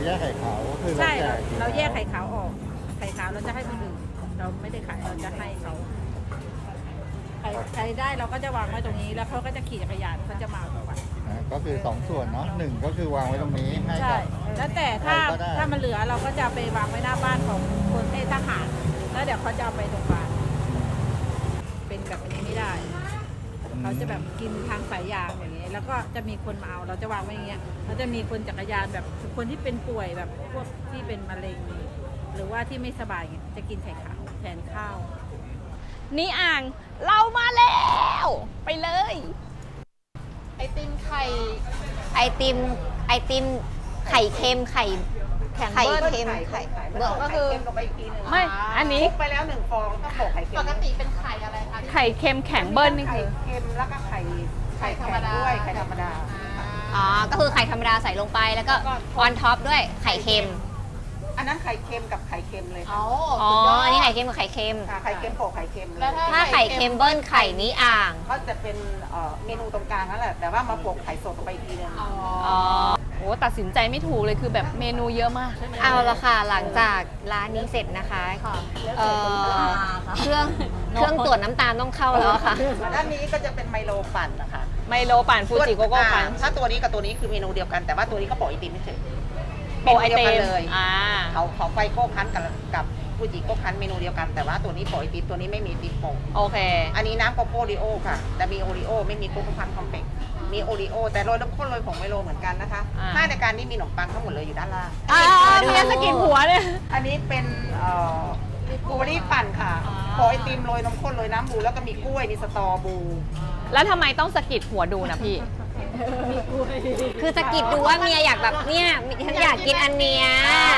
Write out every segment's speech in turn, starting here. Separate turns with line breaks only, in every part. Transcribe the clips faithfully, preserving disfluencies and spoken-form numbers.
แยกไข่ขาวก็คือเรา
ใช่
แจ
เรา
ก
เราแยกไข่ขาวออกไข่ขาวเราจะให้คนอื่นเราไม่ได้ขายเราจะให้เขาใครใครได้เราก็จะวางไว้ตรงนี้แล้วเขาก็จะขี่จักรยานเขาจะมาเอาไป
อ่าก็คือสองส่วนเนาะหนึ่งก็คือวางไว้ตรงนี้ให้
ใช่
กับ
แล้วแต่ถ้า
ใครก็ได้
ถ้ามันเหลือเราก็จะไปวางไว้หน้าบ้านของคนเทศทหารแล้วเดี๋ยวเขาจะเอาไปโรงพยาบาลเป็นแบบอันนี้ไม่ได้เขาจะแบบกินทางสายยางอย่างเงี้ยแล้วก็จะมีคนมาเอาเราจะวางไว้อย่างเงี้ยแล้วจะมีคนจักรยานแบบคนที่เป็นป่วยแบบพวกที่เป็นมะเร็งหรือว่าที่ไม่สบายเงี้ยจะกินไข่ขาวแทนข้าว
นี่อ่างเรามาแล้วไปเลย
ไอติมไข่
ไอติมไอติมไข่เค็มไข่ไข่เค็มไข่เบิร์
ก็คือ
ลงไปอีกทีหนึง
ไม่อันนี้
คลุกไปแล้วหนึ่งฟองต้องโปะไข่เค็
ป
ม
กติเป็นไข่อะไรคะ
ไข่เค็มแข็งเบิ้ลนี่
ไข่
คือ
เค็มแล้วก็ไข่ไข่แข็งด้วยไข่ธรรมดา
อ๋อก็คือไข่ธรรมดาใส่ลงไปแล้วก็ออนท็อปด้วยไข่เค็ม
อันนั้นไข่เค็มกับไข่เค็มเลย
อ๋
ค่ะ
อ
อ๋อ
สุดยด
อันนี้ไข่เค็มกับไข่เค็ม
ค่ะไข่เค็มโปะไข่เค็มเลย
แล้วถ้
ถ้าไข่เค็มเบิ้ลไข่นี้อ่าง
ก็จะเป็นเอ่อเมนูตรงกลางนั่นแหละแต่ว่ามาโปะไข่สดลงไปอีกทีหนึง
อ๋อ
อ๋อ
โอ้ตัดสินใจไม่ถูกเลยคือแบบเมนูเยอะมาก
เอาละค่ะหลังจากร้านนี้เสร็จนะคะเอ่อเครื่องเครื่องตรวจน้ำตาลต้องเข้าแล้วค่ะ
ด้านนี้ก็จะเป็นไมโลปั่นนะคะ
ไมโลปั่นฟูจิโกโก้ปั่น
อ่าถ้าตัวนี้กับตัวนี้คือเมนูเดียวกันแต่ว่าตัวนี้ก็โปะไอติมไม่เฉย
โปะไอเต็
เมนู
ม
ดียวกันเลย
อ่า
เขาเขาไฟโก้คั้นกับกับฟูจิโก้คั้นเมนูเดียวกันแต่ว่าตัวนี้โปะไอติมตัวนี้ไม่มีไอติมโปะ
โอเค
อันนี้น้ำโกโก้ริโอค่ะ แต่มีโอริโอไม่มีโกโก้พันคอมเพล็กซ์มีโอริโอแต่โรยน้ำข้นโรยผงไมโลเหมือนกันนะคะ
อ่า
ถ้าในการนี้มีขนมปังทั้งหมดเลยอยู่ด้านล่าง
อ่าเมียสกินหัวเนี่ย
อันนี้เป็นเอ่อบูเบอรี่ปั่นค่ะโปะไอติมโรยน้ำข้นโรยน้ำบูแล้วก็มีกล้วยมีสตอบู
แล้วทำไมต้องสกิดหัวดูนะพี่
คือสะกิดดูว่าเมียอยากแบบเนี่ยฉันอยากกินอันเนี้ย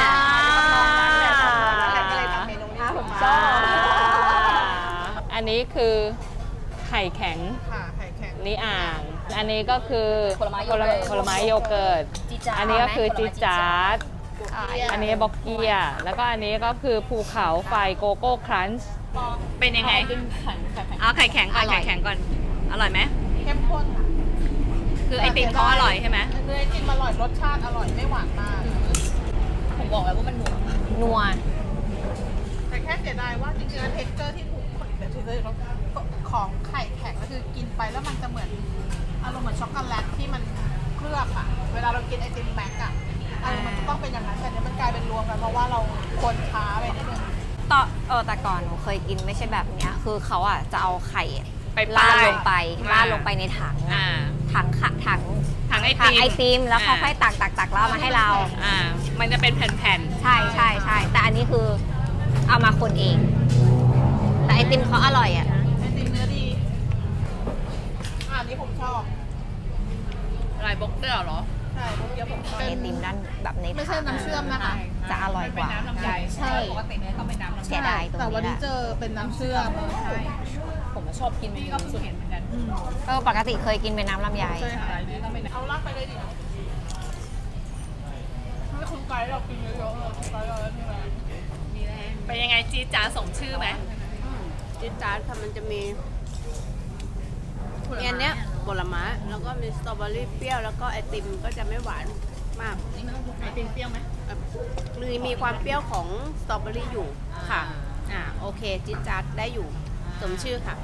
ก็เลยทำเมนูนี้ขึ้นมา
อันนี้คือไข่แข็ง
ค่ะไข่แข็ง
นี่อ่าง อันนี้ก็คือผลไม้โยเกิร์ตผลไม้โยเกิร์ต
จี๊ดจ๊าด
อันนี้ก็คือจีดจาร์ด
อ่า
อันนี้บอกเกีย แล้วก็อันนี้ก็คือภูเขาไฟโกโก้ครันช์เป็นยังไงเอาไข่แข็งก่อนไข่แข็งก่อน อร่อยไหม
เข้มข้นค่ะ
คือไอติมเขาอร่อยใช่ไหม
เนื้อไอติมอร่อยรสชาติอร่อยไม่หวานมาก ผมบอกแล้วว่ามันหนัว
นัว
แต่แค่เสียดายว่าจริงๆแล้วเท็กเจอร์ที่ถูกเดี๋ยวที่ของไข่แข็งก็คือกินไปแล้วมันจะเหมือนอารมณ์เหมือนช็อกโกแลตที่มันเคลือบอะเวลาเรากินไอติมแม็กอะอารมณ์มันจะต้องเป็นอย่างนั้นแต่เนี้ยมันกลายเป็นรวมกันเพราะว่าเราคนช้าไปนิดนึง
ต่อเออแต่ก่อนหนูเคยกินไม่ใช่แบบเนี้ยคือเขาอ่ะจะเอาไข่
ไป
ราด
ป้าย
ลงไป
อ่า
ราดลงไปในถัง
อ่า
อะถังขะถัง
ถังไอ
ถั
ติ
ง
ม
ไอติมแล้วเขา
อ่า
ค่อยตักตักตักแล้วเอามาให้เรา
อ่า มันจะเป็นแผ่น
ใช่ใช่ใช่แต่อันนี้คือเอามาคนเอง แต่ไอติมเขาอร่อยอ่ะ
ไอติมเนื้อดีอ่าอันนี้ผมชอบ
ๆอะไรบล็อกเตอร์เหรอ
ใช่เมื่อกี้ผมชอบ
ไอติมด้านแบบใน
ไม่ใช่
ถัง
น้ำเชื่อมนะคะ
จะอร่อยกว่า
ใช่
ปกติเนี่ยต้องเป็นน้ำลำไย
เสียดายตรง
แต่วัน
นี้
นี้
แห
เจ
ละ
อเป็นน้ำเชื่อม
ผมชอบกินนี่ก็สุดเห็นเหมือนกัน
อืม
เออปกติเคยกินเป็นน้ำลำไย
ใช่ค่ะเอาลากไปเลยดิให้คุณไกด์เรากินเยอะๆเลยคุณไกด์เราแล้วนี่แหละ
เป็นยังไงจีดจ้าสมชื่อไหม
จิ๊ดจ๊าดค่ะมันจะมีมีอันเนี้ยผลไม้แล้วก็มีสตรอเบอรี่เปรี้ยวแล้วก็ไอติมก็จะไม่หวานมาก
ไอติมเปรี้ยวไหม
เอ่อมีมีความเปรี้ยวของสตรอเบอรี่อยู่ค่ะอ่าโอเคจิ๊ดจ๊าดได้อยู่สมชื่อค่ะ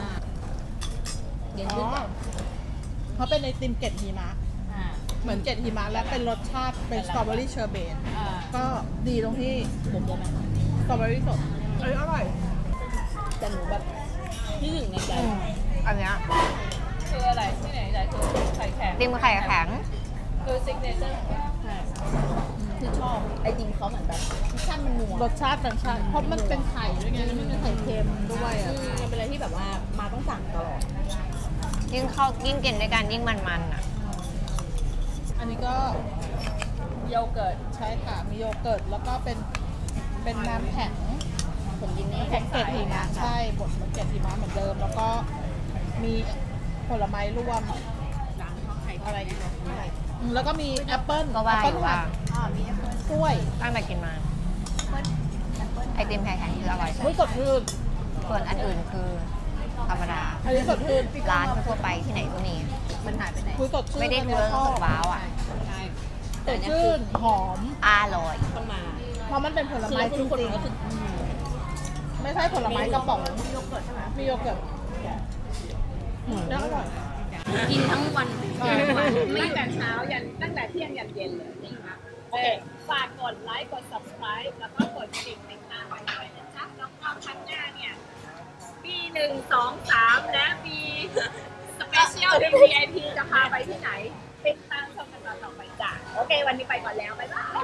อ๋อเขาเป็นไอติมเกล็ดหิมะเหมือนเกล็ดหิมะและเป็นรสชาติเป็นสตรอเบอรี่เชอร์เบตก็ดีตรงที่ผมจะสตรอเบอรี่สดเอ้ยอร่อย
แต่หนูแบบที่หนึ่งในใจ
อันเนี้ย
คืออะไรที่ไหนใจคือไข่แข็ง
ติมไข่แข็ง
คือซิกเนเจอร์คือชอบไอติมเขาเหมือนแบบรสชาติมันนัว
รสชาติต่างชาติเพราะมันเป็นไข่ด้วยไงแล้วมันเป็นไข่เค็มด้วยอ่ะ
มันเป็นอะไรที่แบบว่ามาต้องสั่งตลอด
ยิ่งเข้ายิ่งกินด้วยกันยิ่งมันๆอ่ะ
อันนี้ก็
โยเกิร์ต
ใช่ค่ะมีโยเกิร์ตแล้วก็เป็นเป็นน้ำแข็ง
ผมกินนี่
น้ำแข็งเกล็ดหิมะใช่บดเหมือนเกล็ดหิมะเหมือนเดิม แล้วก็มีผลไม้รวมอะไรอีกนะอืมแล้วก็มีแอปเปิ้ล
ก็ว่า
แอปเปิ้ล
อยู่ว่า
หั่นกล้วย
ตั้งแต่กินมา ไอติมไข่แข็งคืออร่อยสุ
อุ้ย
ด
สดชื่น
ส่วนอันอื่นคือธรรมดา
อันนี้สดชื่น
ร้านทั่วไปที่ไหนก็มี
มันหายไปไหน
คุยสดชื่น
ไม่ได้ดู
อัน
แล้ว
เนี้ยช
รู้
อบ
สึกว้าวอ่ะ
สดชื่นหอม
อร่อย
ต้องมา
เพราะมันเป็นผลไม้จริงๆไม่ใช่ผลไม้กระป๋องมีโยเกิร์ตใช่ไหมมีโยเกิร์ตแล้วอร่อย
กินทั้งวัน
ตั้งแต่เช้ายันตั้งแต่เที่ยงยันเย็นเลยนะคะโอเคฝากกดไลค์กด subscribe แล้วก็กดกระดิ่งติดตามไว้ด้วยนะจ๊ะแล้วก็ครั้งหน้าเนี่ยปีหนึ่งสองสามและปีสเปเชียล วี ไอ พี จะพาไปที่ไหนติดตามชมกันต่อไปจ้ะโอเค วันนี้ไปก่อนแล้ว บ๊ายบาย